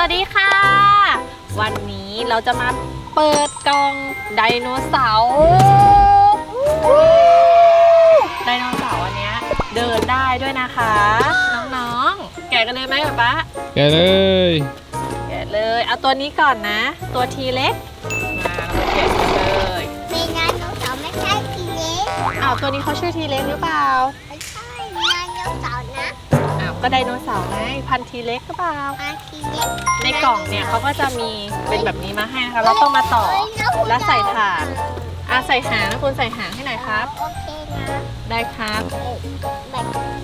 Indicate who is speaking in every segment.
Speaker 1: สดีค่ะวันนี้เราจะมาเปิดกล่องไดโนเสาร์ไดโนเสาร์อันเนี้ยเดินได้ด้วยนะคะน้องๆแกะกันเลยไหมป๊า
Speaker 2: แกะเลย
Speaker 1: แกะเลยเอาตัวนี้ก่อนนะตัวทีเล็กมาเราแกะกันเลย
Speaker 3: มีไดโนเสาร์ไม่ใช่ทีเล็ก
Speaker 1: เอาตัวนี้เขาชื่อทีเล็กหรือเปล่า
Speaker 3: ไม่ใช่ไดโนเสาร์นะ
Speaker 1: ก็ไดโนเสาร์ไงพันธุ์ทีเล็กหรือเปล่า
Speaker 3: พันธุ์ทีเล็ก
Speaker 1: ในกล่องเนี่ยเขาก็จะมีเป็นแบบนี้มาให้นะคะเราต้องมาต่อและใส่ถาดใส่หางนะคุณใส่หางให้หน่อยครับ
Speaker 3: โอเคนะ
Speaker 1: ได้ครับ
Speaker 3: แบบ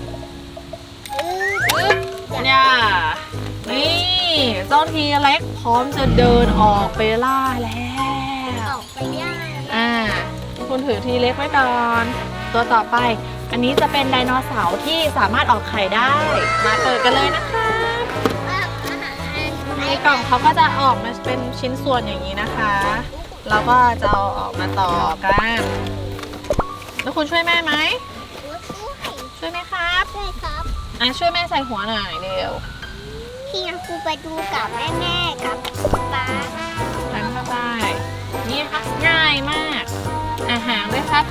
Speaker 1: เนี่ยนี่เจ้าทีเล็กพร้อมจะเดินออกไปล่าแล้ว
Speaker 3: ออกไปย่าง
Speaker 1: คุณถือทีเล็กไว้ก่อนตัวต่อไปอันนี้จะเป็นไดโนเสาร์ที่สามารถออกไข่ได้มาเปิดกันเลยนะคะในกล่องเขาก็จะออกมาเป็นชิ้นส่วนอย่างนี้นะคะเราก็จะเอาออกมาต่อกันแล้วคุณช่วยแม่ไหมช่วยไหมครับ
Speaker 3: ช่วยครับ
Speaker 1: ช่วยแม่ใส่หัวหน่อยเร็ว
Speaker 3: พี่ยังครูไปดูกับแม่กับป๊า
Speaker 1: ดันเข้าไปนี่ค่ะง่ายมากหางด้วยครับ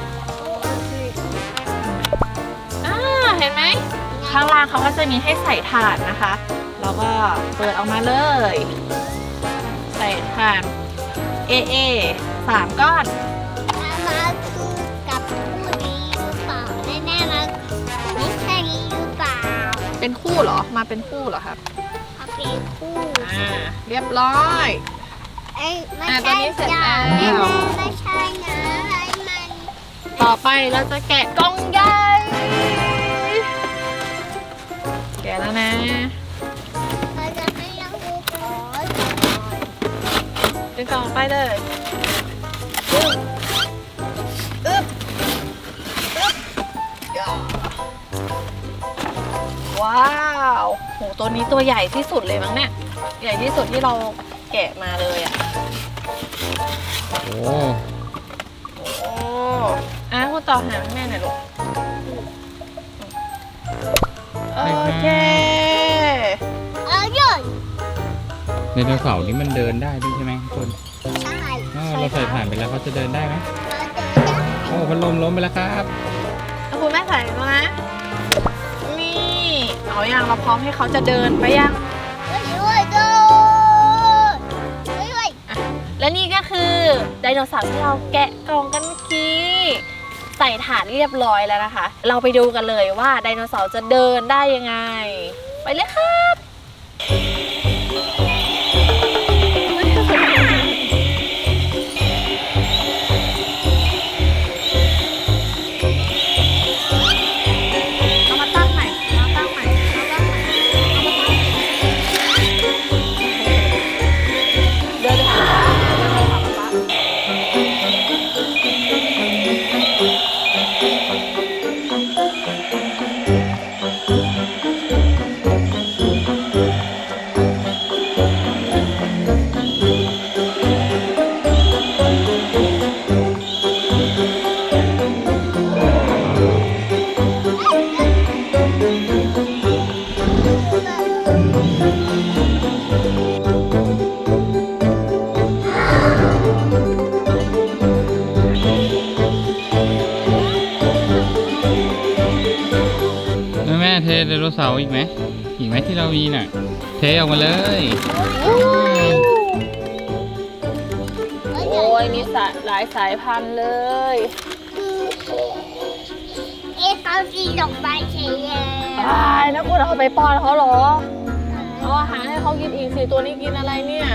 Speaker 1: เห็นไหมข้างล่างเขาก็จะมีให้ใส่ถ่านนะคะแล้วก็เปิดออกมาเลยใส่ถ่าน3 ก้อน
Speaker 3: มาดูกับคู่นี้หรือเปล่าแน่ๆมาไม่ใช่นี้หรือเปล่า
Speaker 1: เป็นคู่เหรอมาเป็นคู่เหรอครับ
Speaker 3: มาเป็นคู่
Speaker 1: เรียบร้อย
Speaker 3: ไม่ใช่จ้าไม่ใช่นะอะไรมัน
Speaker 1: ต่อไปเราจะแกะกล่องใหญ่แกะแล้วนะ
Speaker 3: เราจะไม่ยังดูก่อน
Speaker 1: ดึงกล่องไปเลยว้าวโหตัวนี้ตัวใหญ่ที่สุดเลยมั้งเนี่ยใหญ่ที่สุดที่เราแกะมาเลยอ่ะ
Speaker 2: โอ้
Speaker 1: คุณต่อหางแม่หน่อยลูกโอเค
Speaker 2: ไดโนเสาร์นี้มันเดินได้ด้วยใช่ไหมทุกคน
Speaker 3: ใช่
Speaker 2: เราใส่ผ่านไปแล้วเขาจะเดินได้ไหมโอ้พัดลมล้มไปแล้วครับ
Speaker 1: แล้วคุณแม่ใส่แล้วนะนี่เอาอย่างเราพร้อมให้เขาจะเดินไปยังและนี่ก็คือไดโนเสาร์ที่เราแกะกล่องกันเมื่อกี้ใส่ถาดเรียบร้อยแล้วนะคะเราไปดูกันเลยว่าไดโนเสาร์จะเดินได้ยังไงไปเลยครับ
Speaker 2: แม่เทไดโนเสาร์อีกไหมที่เรามีน่ะเทออกมาเลย
Speaker 1: โอ้ยมีหลายสายพันธุ์เลย
Speaker 3: เขาสีดอกใบเฉย
Speaker 1: ตายนะคุณเอาไปป้อนเขาเหรอเอาอาหารให้เขากินอีกสิตัวนี้กินอะไรเนี่ย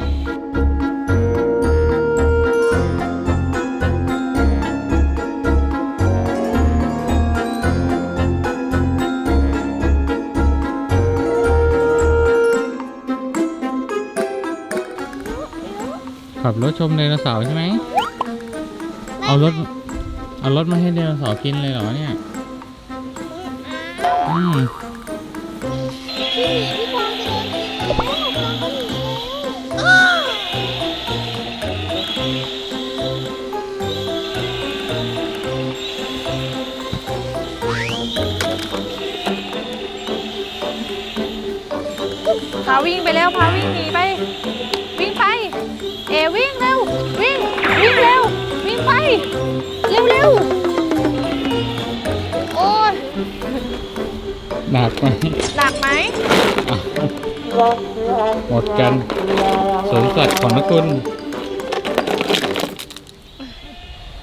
Speaker 2: ขับรถชมไดโนเสาร์ใช่ไหมเอารถมาให้ไดโนเสาร์กินเลยเหรอเนี่ย
Speaker 1: พาวิ่งไปแล้วพาวิ่งหนีไป วิ่งไป เอวิ่งเร็ว วิ่งเร็ว วิ่งไป เร็วโอ้ย
Speaker 2: หนักไหม
Speaker 1: หนักไหม
Speaker 2: อ่ะหมดกันสวนสัตว์ของนคุณ